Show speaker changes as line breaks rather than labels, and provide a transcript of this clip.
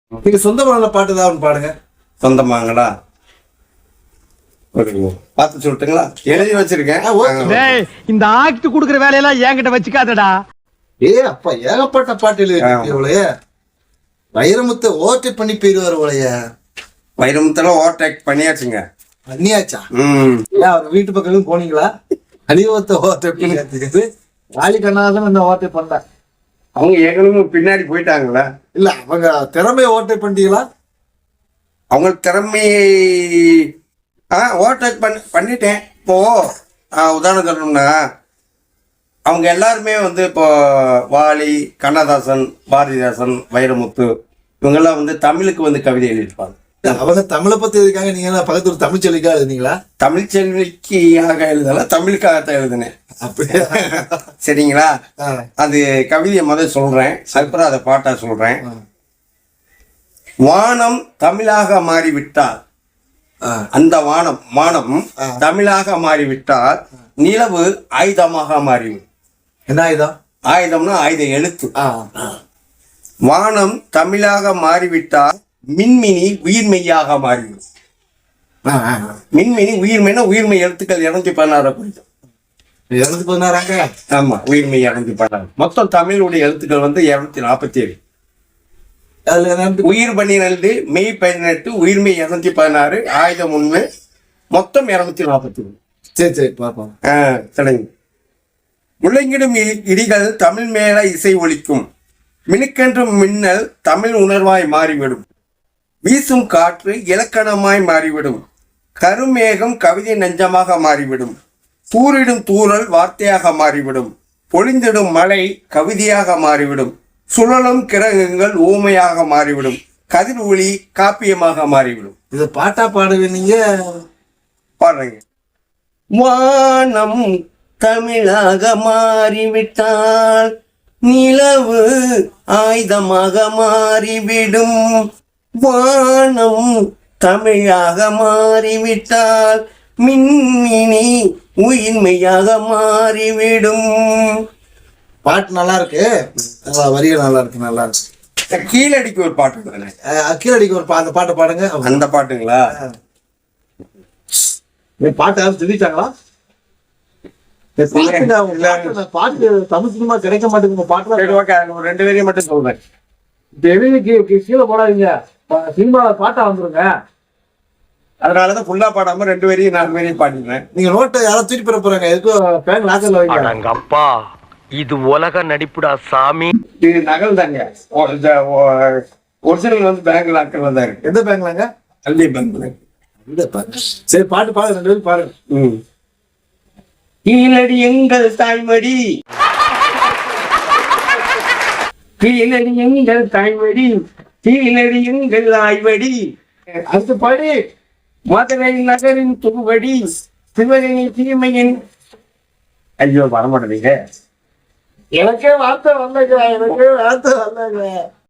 நீங்க சொந்தமான பாட்டு தான் பாடுங்க.
சொந்தமாங்களா? பார்த்து சொல்லட்டுங்களா? எழுதி வச்சிருக்கேன்.
இந்த ஆக்ட் குடுக்குற வேலையெல்லாம் என்கிட்ட வச்சுக்காதடா.
அப்பா ஏகப்பட்ட பாட்டு எழுதி வைரமுத்தை ஓவர்டேக் பண்ணி போயிருவாரு போலயே.
வைரமுத்தெல்லாம் ஓவர்டேக் பண்ணியாச்சுங்க.
பண்ணியாச்சா? அவர் வீட்டு பக்கம் போனீங்களா? அனிவத்தை ஓவர்டேக் பண்ணி வாலி கண்ணாதான் இந்த ஓவர்டேக் பண்ண.
அவங்க ஏற்கனவே பின்னாடி போயிட்டாங்களா?
இல்ல அவங்க திறமையை ஓவர்டேக் பண்ணிட்டீங்களா?
அவங்க திறமையை ஓவர்டேக் பண்ணிட்டேன். இப்போ உதாரணம் சொல்லணும்னா அவங்க எல்லாருமே வந்து இப்போ வாலி, கண்ணதாசன், பாரதிதாசன், வைரமுத்து இவங்கெல்லாம் வந்து தமிழுக்கு வந்து கவிதை எழுதியிருப்பாங்க.
அவங்க தமிழை பத்தி எதுக்காக நீங்க பக்கத்து ஒரு தமிழ் செல்விக்காக எழுதினீங்களா?
தமிழ் செல்விக்காக எழுதல, தமிழுக்காகத்தான் எழுதினேன். அப்படியே சரிங்களா? அது கவிதையை முதல் சொல்றேன், அதுக்கப்புறம் அதை பாட்டா சொல்றேன். வானம் தமிழாக மாறிவிட்டால், அந்த வானம் தமிழாக மாறிவிட்டால் நிலவு ஆயுதமாக மாறிவிடும்.
என்ன ஆயுதம்?
ஆயுதம்னா ஆயுத எழுத்து. வானம் தமிழாக மாறிவிட்டால் மின்மினி உயிர்மெய்யாக மாறிவிடும். மின்மினி உயிர்மெய்னா உயிர்மெய் எழுத்துக்கள் 216 குறிக்கும்.
216.
ஆமா, உயிர்மெய் 216. மொத்தம் தமிழுடைய எழுத்துக்கள் வந்து 247. உயிர் 12, மெய் 18, உயிர்மெய் 216, ஆயுதம் 1, மொத்தம் 241.
சரி பார்ப்போம்.
சரிங்க. முழங்கிடும் இடிகள் தமிழ் மேல இசை ஒலிக்கும், மினுக்கென்றும் மின்னல் தமிழ் உணர்வாய் மாறிவிடும், வீசும் காற்று இலக்கணமாய் மாறிவிடும், கருமேகம் கவிதை நெஞ்சமாக மாறிவிடும், தூரிடும் தூறல் வார்த்தையாக மாறிவிடும், பொழிந்திடும் மழை கவிதையாக மாறிவிடும், சுழலும் கிரகங்கள் ஊமையாக மாறிவிடும், கதிர் ஒளி காப்பியமாக மாறிவிடும்.
இது பாட்டா பாடுவீங்க?
பாடுறீங்க. வானம் தமிழாக மாறிவிட்டால் நிலவு ஆயுதமாக மாறிவிடும், வானம் தமிழாக மாறிவிட்டால் மின்மினி உயிர்மையாக மாறிவிடும்.
பாட்டு நல்லா இருக்கு, வரிகள் நல்லா இருக்கு, நல்லா இருக்கு.
கீழடிக்கு ஒரு பாட்டு,
கீழடிக்கு ஒரு அந்த பாட்டை பாடுங்க.
அந்த பாட்டுங்களா?
பாட்டு யாரும் தெரிவிச்சாங்களா? பாட்டு தமிழ் சினிமா கிடைக்க மாட்டேங்குது. பாட்டு
ஒரு 2 வரியை மட்டும் சொல்றேன்.
கீழே போடாதீங்க, சினிமால பாட்டா வந்துருங்க.
அதனாலதான் ஃபுல்லா பாடாம 2 வரியும் 4 வரியும் பாடிடுறேன்.
நீங்க நோட்டை யாரும் தூக்கி பெற போறாங்க, எதுக்கும் பேங்க் லாக்கர்ல வைங்க.
அப்பா இது உலக நடிப்புடா சாமி.
இது நகல் தாங்க, ஒரிஜினல் வந்து பேங்க் லாக்கர்ல தான் இருக்கு.
எந்த பேங்க்லாங்க?
கல்வி பேங்க்ல.
சரி பாட்டு பாடு, 2 பேரும் பாருங்க.
கீழடி எங்கள் தாய்மடி, கீழடி எங்கள் தாய்மடி, கீழடி எங்கள் ஆய்வடி,
அடுத்து பாடி
மதுரை நகரின் துருவடி, சிவகங்கை தீமையின். ஐயோ வரமாட்டீங்க.
எனக்கே வார்த்தை வந்தாங்க.